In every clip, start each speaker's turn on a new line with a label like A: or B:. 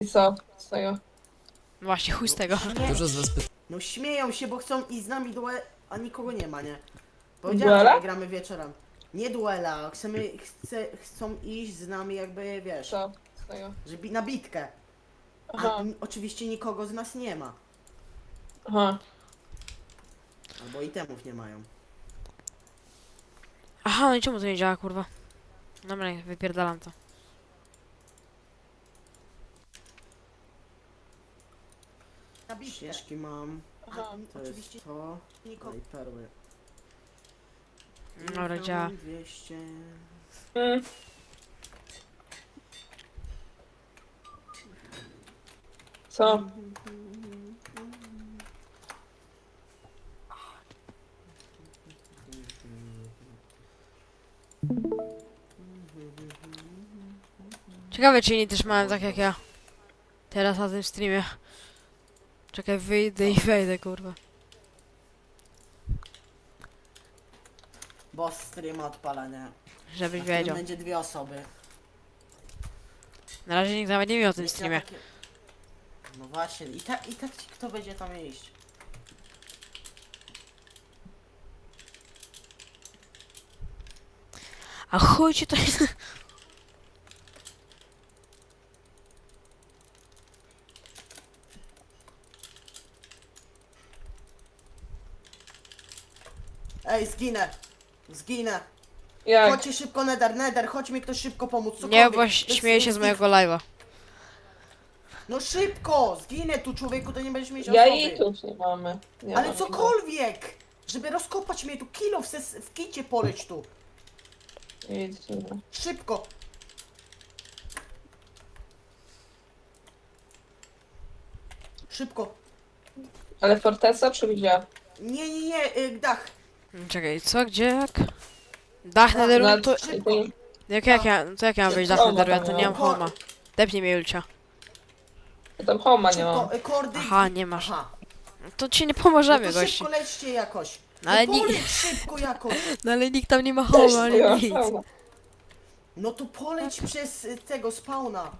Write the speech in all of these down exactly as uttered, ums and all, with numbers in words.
A: I co z tego?
B: Właśnie, chuj z tego.
C: Śmie...
D: Dużo z was pyta,
C: No śmieją się, bo chcą iść z nami duel, a nikogo nie ma, nie?
A: Duela?
C: Powiedziałem, że gramy wieczorem. Nie duela, chcemy, chce, chcą iść z nami jakby, wiesz,
A: Co z tego?
C: że bi na bitkę. A
A: Aha,
C: n- oczywiście nikogo z nas nie ma.
A: aha.
C: Albo itemów nie mają.
B: Aha, no i czemu to nie działa, kurwa? Dobra, nie, wypierdalam to.
C: Na bitkę. Ścieżki mam.
A: Aha,
C: To oczywiście jest to. Nikogo. I perły.
B: Dobra, działa.
C: dwieście.
A: Mm. Co?
B: Ciekawe, czy inni też mają tak jak ja. Teraz na tym streamie. Czekaj, wyjdę i wejdę, kurwa.
C: Boss streama odpalania.
B: Żebyś
C: Na którym
B: wiedział.
C: będzie dwie osoby.
B: Na razie nikt nawet nie wie o tym
C: Nie chciałem
B: streamie.
C: takie- No właśnie, i tak, i tak ci kto będzie tam iść?
B: A chuj ci to jest...
C: Ej, zginę! Zginę!
A: Jak?
C: Chodźcie szybko, Nether, Nether, chodź mi ktoś szybko pomóc,
B: Nie,
C: cokolwiek.
B: bo
C: To jest-
B: śmieję się z
C: jest
B: mojego live'a.
C: No szybko! Zginę tu, człowieku, to nie będziesz mieć
A: Ja
C: osoby.
A: i tu nie mamy. Nie
C: Ale
A: mamy.
C: cokolwiek! Żeby rozkopać mnie tu, kilo w, ses, w kicie poleć tu.
A: Nic nie ma.
C: Szybko! Szybko!
A: Ale forteca czy gdzie?
C: Nie, nie, nie, y, dach!
B: Czekaj, co, gdzie, jak? Dach nederu,
A: Na-
B: to...
C: Szybko!
B: Jak, jak ja, to jak ja mam wejść dach
A: Homa
B: nederu, ja
A: tam
B: to nie mam
C: miał.
B: homa. Depnij mnie, Julcia.
A: Ja tam homa nie mam.
C: Szybko, y, kordy...
B: Aha, nie masz.
C: Aha.
B: To ci nie
C: No
B: pomożemy,
C: to
B: gościu.
C: szybko lećcie jakoś.
B: No ale
C: no
B: ni-
C: poleć szybko jakoś.
B: No ale nikt tam nie ma
A: Też
B: homa,
A: nie
B: ani
A: mam
B: nic.
A: homa.
C: No to poleć przez y, tego spawna.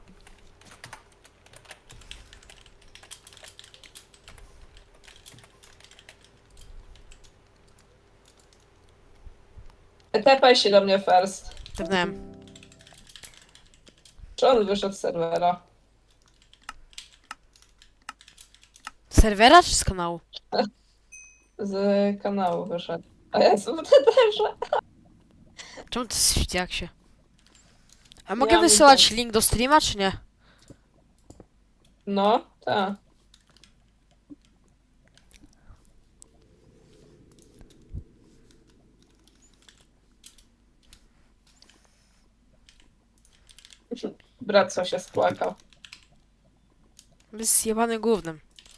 A: Tepaj się do mnie first.
B: Pewnie.
A: Czy on wyszedł z serwera?
B: Z serwera czy z kanału?
A: Z kanału wyszedł. A ja jestem w Netherze.
B: Czemu to jest jak się? A mogę
A: Ja
B: wysyłać
A: widzę.
B: link do streama, czy nie?
A: No, tak. Brat co się spłakał.
B: Jest zjebany głównym.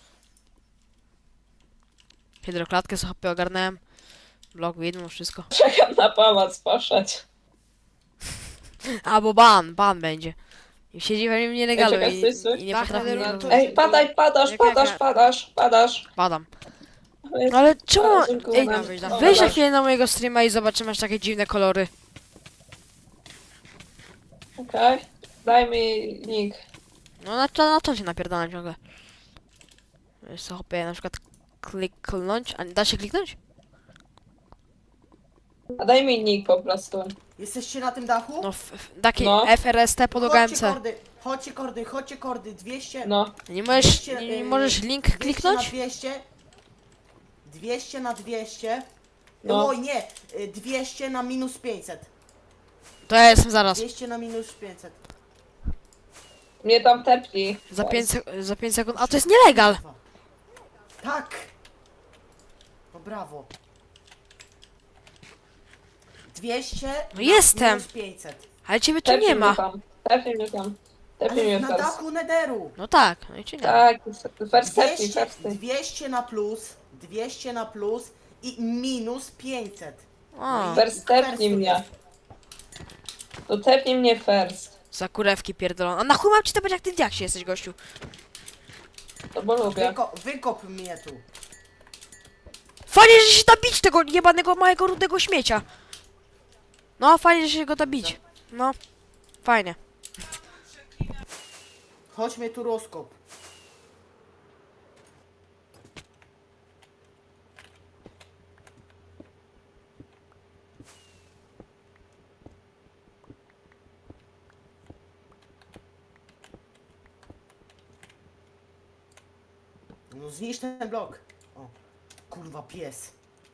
B: Hydroklatkę sobie ogarnąłem. Blok widmo, wszystko.
A: Czekam na pałac poszedł.
B: A, bo ban, ban będzie. I siedzi we mnie nielegalu
A: czekaj,
B: i,
A: stój, stój.
B: i nie
C: Tak,
B: potrafi
C: ale
B: mnie
C: no to-
A: Ej, padaj, padasz,
B: Jak- jak
A: padasz,
B: ja-
A: padasz, padasz.
B: Padam.
A: Jest-
B: No ale czemu...
A: Ale dziękuję
B: Ej,
A: nam.
B: weź
A: O,
B: na
A: dobra.
B: chwilę na mojego streama i zobaczymy aż takie dziwne kolory.
A: Okej, daj mi nick.
B: No na, na, na to się napierdalam ciągle. Wiesz co, hopie, na przykład kliknąć, a da się kliknąć?
A: A daj mi nick po prostu.
C: Jesteście na tym dachu?
B: No, f, f, taki
A: No.
B: F R S T pod
C: Chodźcie
B: O G M C.
C: kordy, chodźcie kordy, chodźcie kordy, dwieście...
A: No,
B: Nie możesz,
C: dwieście,
B: nie, nie
C: y,
B: możesz link
C: dwieście
B: kliknąć?
C: na dwieście. dwieście na dwieście.
A: No.
C: Oj nie, y, dwieście na minus pięćset.
B: To ja jestem zaraz.
C: dwieście na minus pięćset.
A: mnie tam tepli.
B: Za pięć sek- za pięć sekund. A to jest nielegal!
C: Tak! No brawo. dwieście
B: No
C: na
B: jestem.
C: minus pięćset.
B: Ale ciebie tu
A: Tepnij
B: nie
A: mnie
B: ma.
A: tam. Tepnij mnie tam. Tepnij
C: Ale
A: mnie
C: na
A: first.
C: dachu Netheru.
B: No tak, no i czy nie?
A: Tak, first tepnij,
C: dwieście,
A: first.
C: dwieście na plus, dwieście na plus i minus pięćset.
B: O,
A: First tepnij mnie. To tepnij mnie first.
B: za kurewki pierdolone. A na chuj mam ci tepać jak ty w diaksie jesteś, gościu?
A: To bo lubię.
C: Wyko wykop mnie tu.
B: Fajnie, że się da bić tego jebanego małego rudego śmiecia. No, fajnie, że się go da bić. No, fajnie.
C: Chodźmy tu rozkop. No zniszcz ten blok. O, kurwa pies.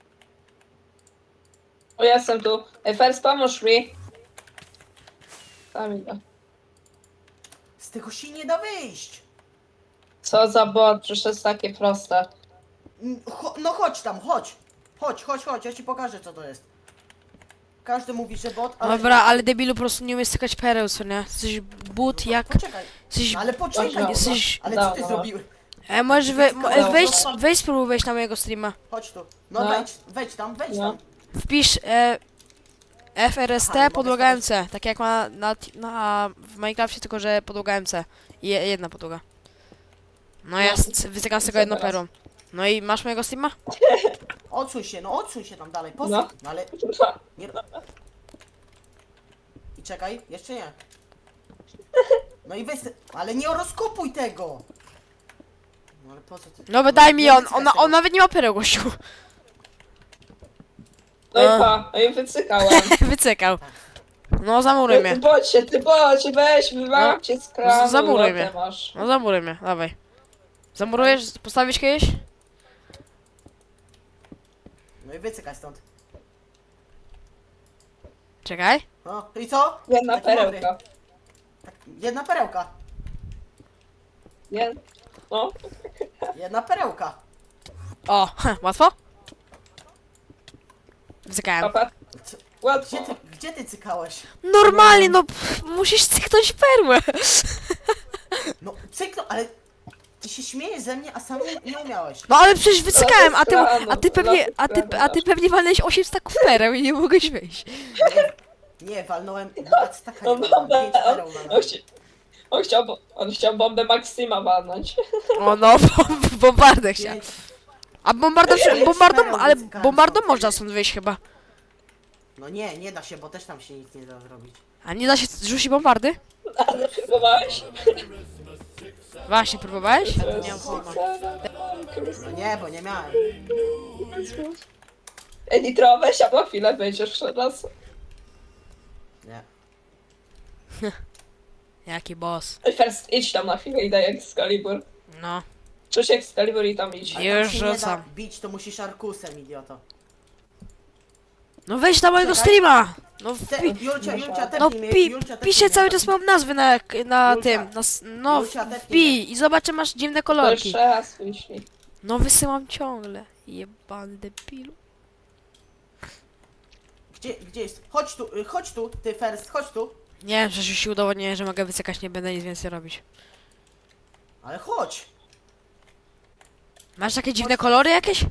A: O, jestem tu. Ej, Fers, pomóż mi. Tam idę.
C: Z tego się nie da wyjść.
A: Co za bot, przecież to jest takie proste.
C: Mm, Cho no chodź tam, chodź. Chodź, chodź, chodź, ja ci pokażę co to jest. Każdy mówi, że bot, ale...
B: Dobra, ale debilu po prostu nie umie stykać pereł, co nie? Jesteś but jak...
C: Poczekaj,
B: Jesteś...
C: no ale poczekaj,
A: Dobra.
B: Jesteś...
C: ale co ty
A: Dobra.
C: zrobiłeś?
B: E, możesz we, mo- e,
A: Dobra.
B: wejść, wejść spróbuj wejść na mojego streama.
C: Chodź tu. No,
A: No.
C: wejdź, wejdź tam, wejdź
A: No.
C: tam.
B: Wpisz e, F R S
C: Aha,
B: T
C: nie
B: podłoga
C: mogę
B: M C, tak jak ma na, na, w Minecrafcie, tylko że podłoga M C. I je, jedna podłoga. No ja s- wycykam z tego
A: Co
B: jedną
A: teraz?
B: perą. No i masz mojego streama?
C: Odsuń się, no odsuń się tam dalej, posłuch.
A: No.
C: No ale... Nie... I czekaj, jeszcze nie. No i weź... te- Ale nie rozkopuj tego! No ale po co ty...
B: No daj mi
C: nie
B: on,
C: wycykaj
B: on,
C: tego.
B: on nawet nie ma pereł, gościu.
A: No i
B: A.
A: pa, no i wycykałem.
B: Wycykał. No zamuruj
A: Ty
B: mnie.
A: bocie, ty bocie, weź, wywałam cię z kranu.
B: zamuruj
A: lotę
B: mnie.
A: masz.
B: No zamuruj mnie, dawaj. Zamurujesz? Postawisz kiedyś?
C: No i wycykaj stąd.
B: Czekaj.
C: No i co?
A: Jedna
C: Taki mądry.
A: perełka.
C: Tak, jedna perełka.
A: Nie? No.
C: Jedna perełka.
B: O, łatwo? Wycykałem.
A: Papa.
C: Co-
A: Łatwo.
C: Gdzie ty, gdzie ty cykałeś?
B: Normalnie, no pff, musisz cyknąć perłę.
C: No cyknął, ale... Ty się śmiejesz ze mnie, a sam nie, nie umiałeś.
B: No ale przecież wycykałem, a ty,
A: Laty
B: a ty
A: z kranu,
B: pewnie,
A: laty z
B: a ty,
A: kranu
B: a ty
A: masz.
B: pewnie walnęłeś osiem staków pereł i nie mogłeś wyjść.
C: Nie, nie walnąłem... Nawet taka nie
A: On,
C: walnąłem,
A: bombę,
C: pięć
A: on,
C: pereł
A: on,
C: walnąłem.
A: chci- on, chciał, bo- on chciał bombę Maxima walnąć.
B: O no, bom- bombardę chciał.
C: Pięć-
B: A bombardą,
C: Pięć
B: bombardą,
C: pereł
B: ale
C: wycykałem
B: bombardą
C: stąd.
B: można stąd wyjść chyba.
C: No nie, nie da się, bo też tam się nic nie da zrobić.
B: A nie da się rzucić bombardy?
A: Ale próbowałeś?
B: Właśnie, próbowałeś?
A: To
B: Nie
A: jest
B: mam pojma.
C: No nie, bo nie miałem.
A: Ej, Nitro, weź, a po chwilę będziesz jeszcze raz.
C: Nie.
B: Jaki boss.
A: Ej, First, idź tam na chwilę i daj Excalibur.
B: No.
A: Czuć Excalibur i tam idź.
C: Ale
B: Już
C: tam się nie
B: rzucam.
C: da bić, to musisz arkusem, idioto.
B: No wejdź na mojego
C: Czekaj.
B: streama! No
C: Te,
B: wpi...
C: Julcia, Julcia,
B: No
C: tepnij mnie,
B: pi...
C: Julcia, tepnij
B: pisze
C: mnie.
B: cały czas mam nazwy na, na
C: Julcia.
B: tym, na, s- no
C: Julcia, tepnij
B: wpij i zobacz, czy masz dziwne
A: To
B: kolorki.
A: jeszcze raz wyślij.
B: No wysyłam ciągle. Jebany debilu.
C: Gdzie, gdzie jest? Chodź tu, y, chodź tu, ty first, chodź tu.
B: Nie wiem, przecież już się udowodniłem, że mogę wycykać, nie będę nic więcej robić.
C: Ale chodź.
B: Masz takie dziwne kolory jakieś?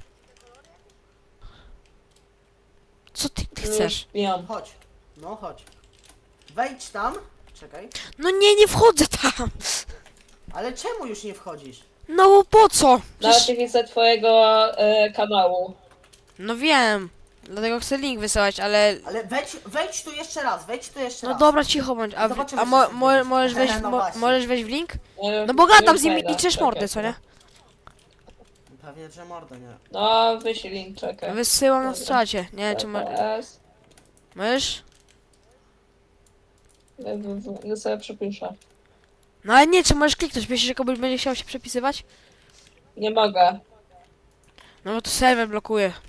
B: Co ty, ty chcesz?
A: Wiem.
C: Chodź. No chodź. Wejdź tam. Czekaj.
B: No nie, nie wchodzę tam!
C: Ale czemu już nie wchodzisz?
B: No bo po co?
A: Nawet
B: Przecież...
A: nie widzę twojego e, kanału.
B: No wiem. Dlatego chcę link wysyłać, ale...
C: Ale wejdź, wejdź tu jeszcze raz, wejdź tu jeszcze
B: No
C: raz.
B: dobra, cicho bądź. A, w,
C: Zobaczymy,
B: a
C: co
B: mo,
C: się
B: mo,
C: będzie.
B: możesz, wejść,
C: No
B: mo,
C: właśnie.
B: możesz wejść w link?
A: E,
B: No bo gadam
A: już
B: z nimi
A: wejdę,
B: i czesz
A: czekaj,
B: mordę, co nie?
C: Pewnie, że mordo, nie.
A: No, wyślij link, czekaj.
B: Wysyłam na
A: Dobra.
B: czacie. Nie wiem, czy mo...
A: S.
B: możesz?
A: Ja sobie przepiszę.
B: No ale nie, czy możesz kliknąć? Myślisz, że komuś będzie chciał się przepisywać?
A: Nie mogę.
B: No bo to serwer blokuje.